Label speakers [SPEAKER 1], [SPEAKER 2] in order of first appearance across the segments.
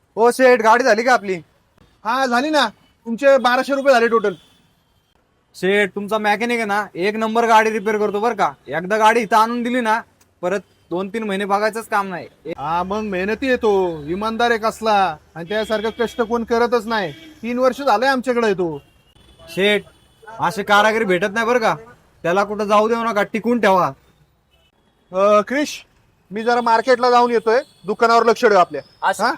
[SPEAKER 1] हो शेठ, गाडी झाली का आपली?
[SPEAKER 2] हा झाली ना. तुमचे 1200 रुपये झाले टोटल.
[SPEAKER 1] शेठ, तुमचा मेकॅनिक आहे ना, एक नंबर गाडी रिपेअर करतो बरं का. एकदा गाडी इथं आणून दिली ना, परत 2-3 महिने बघायचंच काम नाही.
[SPEAKER 2] हा मग मेहनती येतो, इमानदार आहे कसला. आणि त्यासारखं कष्ट कोण करतच नाही. 3 वर्ष झालंय आमच्याकडे येतो.
[SPEAKER 1] शेठ, असे कारागिरी भेटत नाही बरं का. त्याला कुठं जाऊ देऊ नका, टिकून ठेवा.
[SPEAKER 2] क्रिश, मी जरा मार्केटला जाऊन येतोय, दुकानावर लक्ष ठेव आपल्या. हा?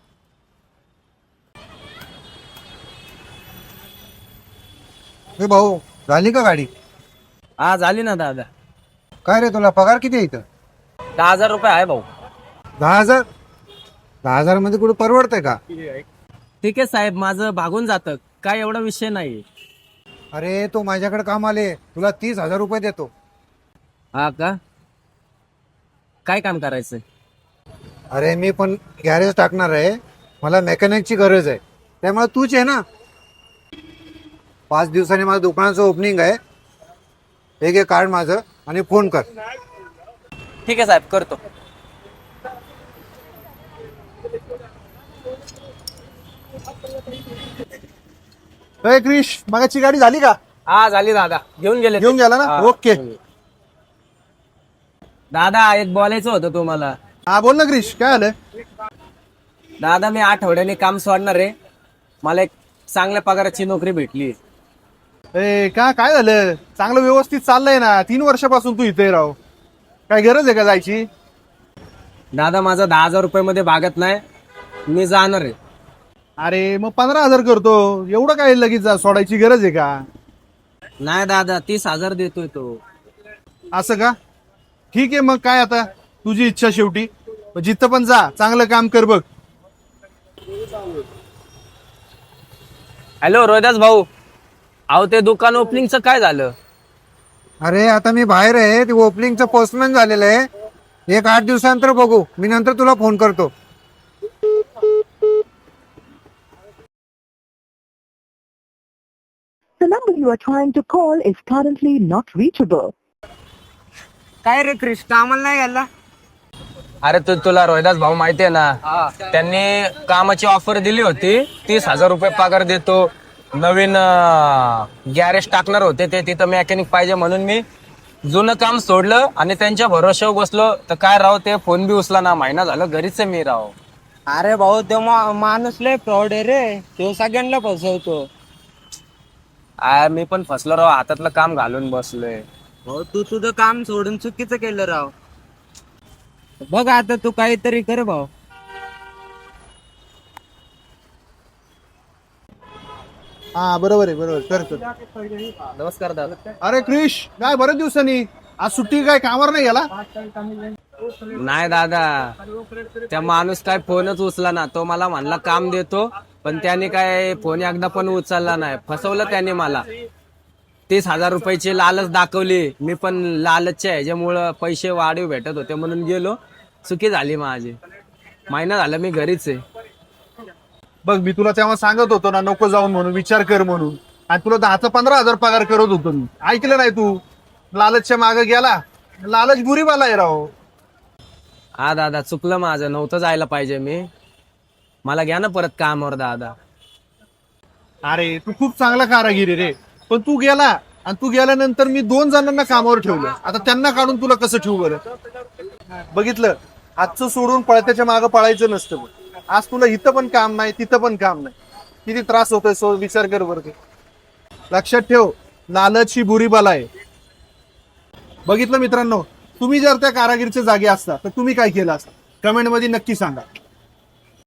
[SPEAKER 3] हे भाऊ, झाली का गाडी?
[SPEAKER 4] हा झाली ना दादा.
[SPEAKER 3] काय रे, तुला पगार किती आहे इथं?
[SPEAKER 4] 10,000 रुपये आहे भाऊ.
[SPEAKER 3] 10,000? 10,000 मध्ये कुठे परवडतंय का?
[SPEAKER 4] ठीक आहे साहेब, माझं भागून जातं, काय एवढा विषय नाही.
[SPEAKER 3] अरे तो माझ्याकडे काम आले, तुला 30,000 रुपये देतो.
[SPEAKER 4] हा का? काय काम करायचंय?
[SPEAKER 3] अरे मी पण गॅरेज टाकणार आहे, मला मेकॅनिकची गरज आहे, त्यामुळे तूच आहे ना. 5 दिवसांनी माझं दुकानाचं ओपनिंग आहे. हे घे कार्ड माझं आणि फोन कर.
[SPEAKER 4] ठीक आहे साहेब, करतो.
[SPEAKER 2] क्रिश, मगाची गाडी झाली का?
[SPEAKER 4] हा झाली दादा, घेऊन गेले ते.
[SPEAKER 2] घेऊन गेला ना?
[SPEAKER 4] हा,
[SPEAKER 2] ओके.
[SPEAKER 4] दादा एक बोलायचं होतं तुम्हाला.
[SPEAKER 2] हा बोल ना क्रिश, काय आलं?
[SPEAKER 4] दादा मी आठवड्याने काम सोडणार आहे, मला एक चांगल्या पगाराची नोकरी भेटली.
[SPEAKER 2] काय झालं? चांगलं व्यवस्थित चाललंय ना. 3 वर्षापासून तू इथे राव. काय गरज आहे का जायची?
[SPEAKER 4] दादा माझा 10,000 रुपये मध्ये भागत नाही, मी जाणार आहे.
[SPEAKER 2] अरे मग 15,000 करतो. एवढं काय लगेच सोडायची गरज आहे का?
[SPEAKER 4] नाही दादा, 30,000 देतोय तो.
[SPEAKER 2] असं का? ठीक आहे, मग काय आता तुझी इच्छा शेवटी. मग जिथं पण जा, चांगलं काम कर बघ.
[SPEAKER 4] हॅलो रोहिदास भाऊ, अहो ते दुकान ओपनिंगचं काय झालं?
[SPEAKER 3] अरे आता मी बाहेर आहे, ते ओपनिंगचं पोस्टमॅन झालेलं आहे. 8 दिवसानंतर बघू, मी नंतर तुला फोन करतो.
[SPEAKER 5] The number you are trying to call is currently not reachable.
[SPEAKER 1] काय रे क्रिश, कामाला नाही गेला?
[SPEAKER 4] अरे तुला रोहिदास भाऊ माहितीये ना, त्यांनी कामाची ऑफर दिली होती. 30,000 रुपये पगार देतो, नवीन गॅरेज टाकणार होते ते, तिथं मेकॅनिक पाहिजे म्हणून मी जुनं काम सोडलं आणि त्यांच्या भरोश्यावर बसलो. तर काय राव, ते फोन बी उचला ना. महिना झालं घरीच आहे मी राव.
[SPEAKER 1] अरे भाऊ, तो माणूस लय फ्रॉड आहे रे. तो सगळ्यांना फसवतो.
[SPEAKER 4] मी पण फसलो राव, हातातलं काम घालून बसलोय.
[SPEAKER 1] भाऊ, तू तुझं काम सोडून चुकीचं केलं राव. बघ आता तू काहीतरी कर भाऊ.
[SPEAKER 2] हा बरोबर आहे, बरोबर. कर.
[SPEAKER 4] नमस्कार दादा.
[SPEAKER 2] अरे क्रिश, काय बरेच दिवसांनी आज सुट्टी, काय कामावर नाही गेला?
[SPEAKER 4] नाही दादा, त्या माणूस काय फोनच उचला ना. तो मला म्हणला काम देतो, पण त्याने काय फोन एकदा पण उचलला नाही. फसवलं त्याने मला. 30,000 रुपयाची लालच दाखवली. मी पण लालचच्या ह्याच्यामुळं पैसे वाढीव भेटत होते म्हणून गेलो. चुकी झाली माझी. महिना झाला मी घरीच आहे.
[SPEAKER 2] बघ, मी तुला तेव्हा सांगत होतो ना, नको जाऊन म्हणून, विचार कर म्हणून. आणि तुला 10-15,000 पगार करत होतो मी. ऐकलं नाही तू. लालचच्या मागे गेला. लालच बुरीवाला आहे राव.
[SPEAKER 4] हा दादा, चुकलं माझं. नव्हतं जायला पाहिजे मी. मला घ्या ना परत कामावर दादा.
[SPEAKER 2] अरे तू खूप चांगला कारागिरी रे, पण तू गेला. आणि तू गेल्यानंतर मी 2 जणांना कामावर ठेवलं. आता त्यांना काढून तुला कसं ठेवू बरं? बघितलं, आजचं सोडून पळत्याच्या मागं पळायचं नसतं बघ. आज तुला इथं पण काम नाही, तिथं पण काम नाही. किती त्रास होतोय, विचार कर बरं. ते लक्षात ठेव, लालच ही बुरी बाला आहे. बघितलं मित्रांनो, तुम्ही जर त्या कारागिरीच्या जागी असता तर तुम्ही काय केलं असतं? कमेंट मध्ये नक्की सांगा.